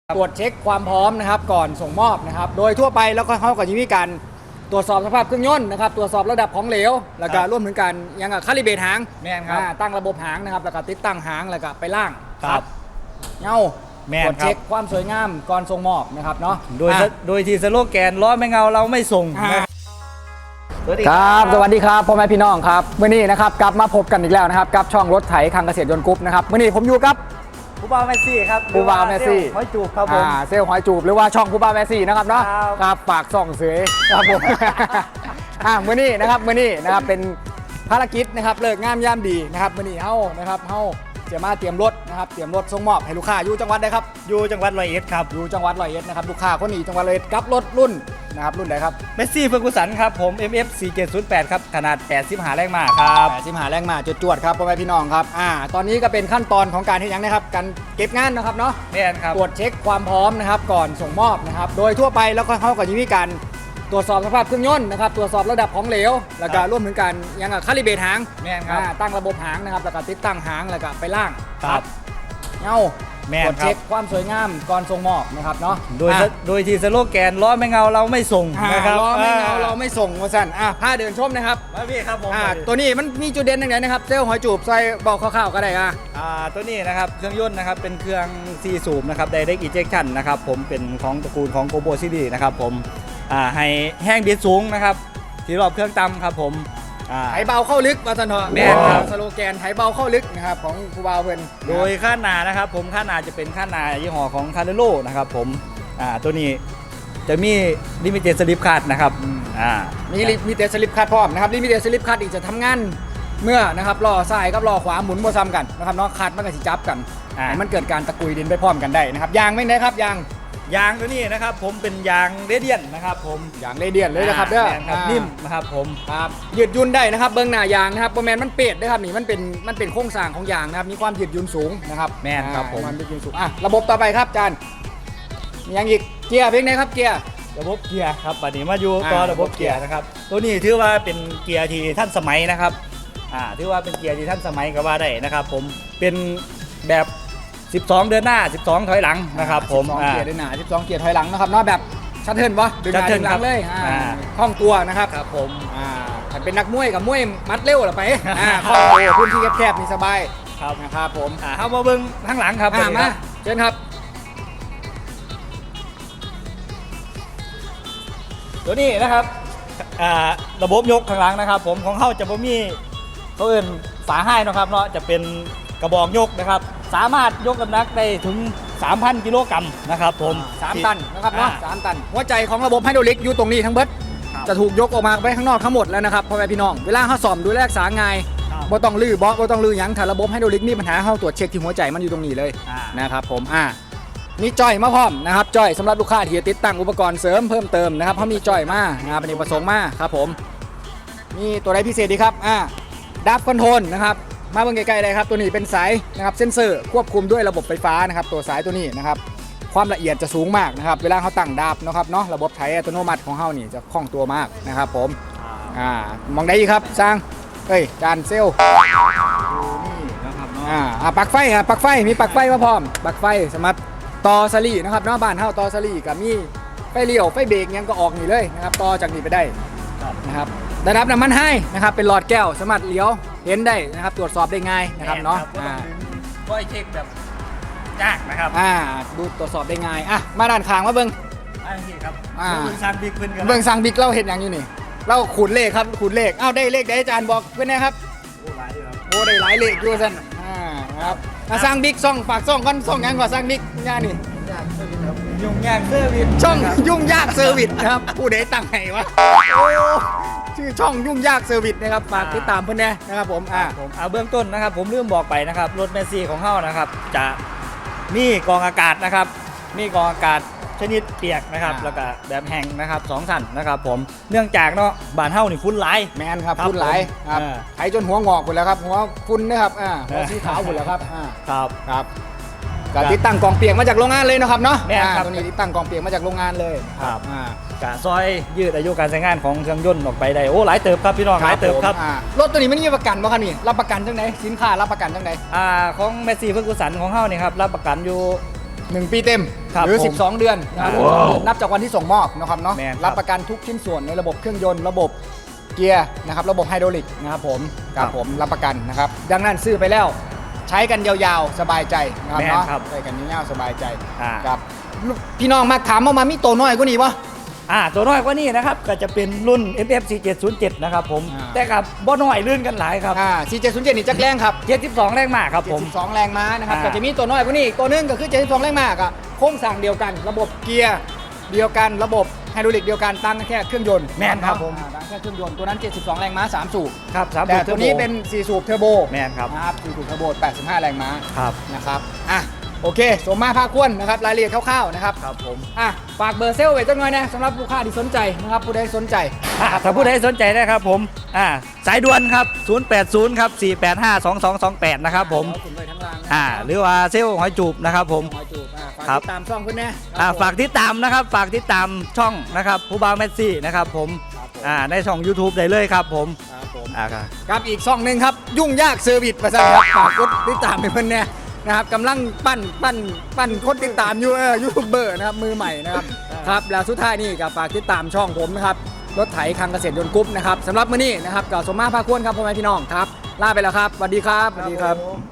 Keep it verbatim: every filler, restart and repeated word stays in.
ตรวจเช็คความพร้อมนะครับก่อนส่งมอบนะครับโดยทั่วไปแล้วก็เขาก็จะมีการตรวจสอบสภาพเครื่องยนต์นะครับตรวจสอบระดับของเหลวแล้วก็ร่วมถึงการยังกับคาลิเบรตหางแม่นครับอ่าตั้งระบบหางนะครับแล้วก็ติดตั้งหางแล้วก็ไปล่างครับเงาแม่นตรวจครับเช็คความสวยงามก่อนส่งมอบนะครับเนาะโดยอ่ะโดยที่สโลแกนล้อไม่เงาเราไม่ส่งอ่านะครับสวัสดีครับสวัสดีครับพ่อแม่พี่น้องครับเมื่อนี้นะครับกลับมาพบกันอีกแล้วนะครับกับช่องรถไถคังเกษตรยนต์กรุ๊ปนะครับเมื่อนี้ผมอยู่กับผู้บ่าวแมสซี่ครับผู้บ่าวแมสซี่หอยจูบครับผมอ่าเซลล์หอยจูบหรือว่าช่องผู้บ่าวแมสซี่นะครับเนาะครับครับฝากส่องเสยครับผม อ่ามื่อนี้นะครับมื่อนี้นะครับเป็นภารกิจนะครับเลิกงามยามดีนะครับมื่อนี้เฮานะครับเฮาจะมาเตรียมรถนะครับเตรียมรถส่งมอบให้ลูกค้าอยู่จังหวัดใดครับอยู่จังหวัดร้อยเอ็ดครับอยู่จังหวัดร้อยเอ็ดนะครับลูกค้าคนนี้จังหวัดร้อยเอ็ดกับรถรุ่นนะครับรุ่นใดครับเมสซี่เฟอร์กูสันครับผม เอ็ม เอฟ สี่เจ็ดศูนย์แปด ครับขนาดแปดสิบห้าแรงม้าครับแปดสิบหาแรงมาจวดๆครับพ่อแม่พี่น้องครับอ่าตอนนี้ก็เป็นขั้นตอนของการที่ยังนะครับการเก็บงานนะครับเนาะแม่นครับตรวจเช็คความพร้อมนะครับก่อนส่งมอบนะครับโดยทั่วไปแล้วก็เขาก็จะมีการตรวจสอบสภาพเครื่องยนต์นะครับตรวจสอบระดับของเหลวแล้วก็ร่วมถึงการยังกับคาลิเบรตหางแม่นครับอ่าตั้งระบบหางนะครับแล้วก็ติดตั้งหางแล้วก็ไปล่างครับเงาแม่นตรวจครับเช็คความสวยงามก่อนส่งมอบนะครับเนาะโดยอ่ะโดยที่สโลแกนล้อไม่เงาเราไม่ส่งอ่านะครับเราไม่เงาอ่เราไม่ส่งว่าสั่นอ่ะผ้าเดินชมนะครับมาพี่ครับผมอ่ามาดิตัวนี้มันมีจุดเด่นตรงไหนนะครับเซลล์หอยจูบซอยบอกคร่าวๆก็ได้อ่ะอ่าตัวนี้นะครับเครื่องยนต์นะครับเป็นเครื่องซีสูบนะครับ Direct Injection นะครับผมเป็นของตระกูลของ Turbo Series นะครับผมอ่าให้แห้งบิดสูงนะครับที่รอบเครื่องต่ำครับผมอ่าไถเบาเข้าลึกว่าสันเถอะแม่นครับสโลแกนไถเบาเข้าลึกนะครับของครูบาวเพิ่นโดยค่าหนานะครับผมค่าหนาจะเป็นค่าหนายี่ห้อของคาร์เดโลนะครับผมอ่าตัวนี้จะมีลิมิเต็ดสลิปคาร์ดนะครับอ่ามีลิมีเตสลิปคัดพร้อมนะครับลิมิเตสลิปคัดอีกจะทำงานเมื่อนะครับล้อซ้ายกับล้อขวาหมุนบ่ซ้ำกันนะครับเนาะคัดมันก็สิจับกันอ่าให้มันเกิดการตะกุยดินไปพร้อมกันได้นะครับยางไม่ได้ครับยางยางตัวนี้นะครับผมเป็นยางเรเดียนนะครับผมยางเรเดียนเลยนะครับเด้อแม่นครับอ่านิ่มนะครับผมครับยืดหยุ่นได้นะครับเบื้องหน้ายางนะครับโปรแมนมันเปียดนะครับนี่มันเป็นมันเป็นโครงสร้างของยางนะครับมีความยืดหยุ่นสูงนะครับแม่นครับผมอ่าความยืดหยุ่นสูงอ่ะระบบต่อไปครับอาจารย์มียังอีกเกียร์เพลงไหนครับเกียร์ระบบเกียร์ครับบัดนี้มาอยู่อ่าต่อระบบเกียร์นะครับตัวนี้ถือว่าเป็นเกียร์ที่ท่านสมัยนะครับอ่าถือว่าเป็นเกียร์ที่ท่านสมัยก็ว่าได้นะครับผมเป็นแบบสิบสองเดินหน้าสิบสองถอยหลังนะครับผมสิบสองอ่าเกียร์ด้วยหนาสิบสองเกียร์ถอยหลังนะครับเนาะแบบชัดเทิร์นวะดึงหน้าชัดเทิดึร์นงหลัครังบเลยอ่าอ่าคล่องตัวนะครับครับผมอ่าถ้าเป็นนักมวยกับมวยมัดเร็วเหรอไปอ่าคล่องตัวพื้นที่แคบๆนี่สบายครับนะครับผมอ่าเข้ามาเบิ้งข้างหลังครับอ่าบัดนี้มาครับเชิญครับตัวนี้นะครับอ่าระบบยกข้างหลังนะครับ ผมของเขาจะบ่มีเขาเอิ้นฝาให้นะครับเนาะจะเป็นกระบอกยกนะครับ สามารถยกน้ำหนักได้ถึง สามพัน กิโลกรัมนะครับผมสามตันนะครับเนาะอ่สามตัน หัวใจของระบบไฮดรอลิกอยู่ตรงนี้ทั้งเบิดครับจะถูกยกออกมาไปข้างนอกทั้งหมดแล้วนะครับพ่อแม่พี่น้องเวลาเขาซ่อมดูแลรักษาง่ายครับบ่ต้องลื้อเบาะบ่ต้องลื้อหยังถ้าระบบไฮดรอลิกมีปัญหาเขาตรวจเช็คที่หัวใจมันอยู่ตรงนี้เลยอ่านะครับผมอ่ามีจ้อยมาพร้อมนะครับจ้อยสำหรับลูกค้าที่จะติดตั้งอุปกรณ์เสริมเพิ่มเติมนะครับเขามีจ้อยมานะครับเป็นประสงค์มาครับผมมีตัวใดพิเศษดีครับอ่าดับคอนโทรลนะครับมาเบิ่งใกล้ๆเลยครับตัวนี้เป็นสายนะครับเซ็นเซอร์ควบคุมด้วยระบบไฟฟ้านะครับตัวสายตัวนี้นะครับความละเอียดจะสูงมากนะครับเวลาเขาตั้งดับนะครับเนาะระบบไถอัตโนมัติของเขานี่จะคล่องตัวมากนะครับผมอ่ามองได้อีกครับสร้างเอ้ยจานเซลนี่นะครับเนาะอ่าอ่าปลั๊กไฟครับปลั๊กไฟมีปลั๊กไฟมาพร้อมปลั๊กไฟสำหรับต่อสลีนะครับเนาะบ้านเฮาต่อสลีกับมีไฟเลี้ยวไฟเบรกยังก็ออกนี่เลยนะครับต่อจากนี้ไปได้ครับนะครับได้รับน้ำมันให้นะครับเป็นหลอดแก้วสามารถเลี้ยวเห็นได้นะครับตรวจสอบได้ง่ายนะครับเนาะก็ต้ออ่างดึงก้อยเช็คแบบยากนะครับอ่าดูตรวจสอบได้ง่ายอ่ะมาด้านข้างมาเบิ่งอันนี้ครับอ่าเบิ่งซางบิ๊กเพิ่นกันเบิ่งสั่งบิ๊กเราเห็นอย่างอยู่นี่เราขูดเลขครับขูดเลขอ้าวได้เลขได้อาจารย์บอกเพื่อนนะครับโอ้หลายอยู่ครับโอ้ได้หลายเลขอยู่ซั่นอ่าครับมาสร้างบิ๊กซ่องฝากซ่องก่อนซ่องหยังก่อนสร้างบิ๊กย่านี่ยากเซอร์วิสครับยุ่งยากเซอร์วิสช่องนะครับยุ่งยากเซอร์วิสนะครับผู้ใดตั้งให้วะโอ้ชื่อช่องยุ่งยากเซอร์วิสนะครับฝากติดตามเพื่อนแน่นะครับผมอ่าผมเอาเบื้องต้นนะครับ ผมลืมบอกไปนะครับรถเมสซี่ของเฮานะครับ จะมีกรองอากาศนะครับ มีกรองอากาศชนิดเปียกนะครับแล้วก็แบบแห้งนะครับสองสั่นนะครับ ผมเนื่องจากเนาะบ้านเฮานี่ฝุ่นหลายแมนครับครับฝุ่นหลายผมครับอ่าไถจนหัวงอกหมดแล้วครับหัวฝุ่นนะครับอ่าหัวเออสีขาวหมดแล้วครับอ่าครับครับก็ติดตั้งกล่องเปียกมาจากโรงงานเลยนะครับเนาะแม่นอ่าครับตัวนี้ติดตั้งกล่องเปียกมาจากโรงงานเลยครับอ่ากะซอยยืดอายุการใช้งานของเครื่องยนต์ออกไปได้โอ้หลายเติบครับพี่น้องหลายเติบครับผมอ่ารถตัวนี้ไม่มีประกันบ่ครับนี่รับประกันจังไดสินค้ารับประกันจังไดอ่าของเมสซี่เฟอร์กูสันของเฮานี่ครับรับประกันอยู่หนึ่งปีเต็มครับหรือผมสิบสอง เดือนนะครับว้าวนับจากวันที่ส่งมอบนะครับเนาะแม่นครับรับประกันทุกชิ้นส่วนในระบบเครื่องยนต์ระบบเกียร์นะครับระบบไฮดรอลิกนะครับผมครับผมรับประกันนะครับดังนั้นซื้อไปแล้วใช้กันยาวๆสบายใจนะครับแม่นเนาะครับใช้กันยาวๆสบายใจอ่าครับพี่น้องมาถามมามามีตัวน้อยกว่านี้ปะอ่าตัวน้อยกว่านี้นะครับก็จะเป็นรุ่น เอ็ม เอฟ สี่เจ็ดศูนย์เจ็ด นะครับผมอ่าแต่กับบ่น้อยลื่นกันหลายครับอ่าสี่เจ็ดศูนย์เจ็ดนี่จักแรงครับเจ็ดสิบสองแรงมากครับผมเจ็ดสิบสองแรงม้านะครับอ่าก็จะมีตัวน้อยกว่านี้อีกตัวหนึงก็คือเจ็ดสิบสองแรงม้าก็โครงสร้างเดียวกัน ระบบเกียร์เดียวกันระบบไฮดรอลิกเดียวกันตั้งแค่เครื่องยนต์แม่นครับผมอ่าตั้งแค่เครื่องยนต์ตัวนั้นเจ็ดสิบสองแรงม้าสามสูบครับสามแต่สูบตัวนี้ทอร์โบเป็นสี่สูบเทอร์โบแม่นครับนะครับสี่สูบเทอร์โบแปดสิบห้าแรงม้าครับนะครับอ่ะโอเคสมมาภาคควรนะครับรายละเอียดคร่าวๆนะครับครับผมอ่ะฝากเบอร์เซลล์ไว้จังหน่อยนะสำหรับลูกค้าที่สนใจนะครับผู้ใดสนใจอ่าถ้าผู้ใดสนใจนะครับผมอ่าสายด่วนครับศูนย์แปดศูนย์ครับสี่แปดห้าสองสองสองแปดนะครับผมเดี๋ยวขึ้นไปทั้งรางนะอ่าหรือว่าเซลล์หอยจูบนะครับผมหอยจูบอ่ะฝากครับติดตามช่องเพื่อนแน่อ่าครับผมฝากติดตามนะครับฝากติดตามช่องนะครับผู้บ่าวแมสซี่นะครับผมครับผมอ่าในช่อง YouTube ได้เลยครับผมครับผมอ่าครับครับอีกช่องหนึ่งครับ ยุ่งยากเซอร์วิสประสาครับฝากกดติดตามให้เพื่อนแน่นะครับกำลังปั้นปั้นปั้นคนติดตามอยู่เออยูทูบเบอร์นะครับมือใหม่นะครับครับแล้วสุดท้ายนี่ก็ฝากติดตามช่องผมนะครับรถไถคังเกษตรยนต์กรุ๊ปนะครับสำหรับมื้อนี้นะครับกับสมมาภาคควรครับพ่อแม่พี่น้องครับลาไปแล้วครับสวัสดีครับสวัสดีครับ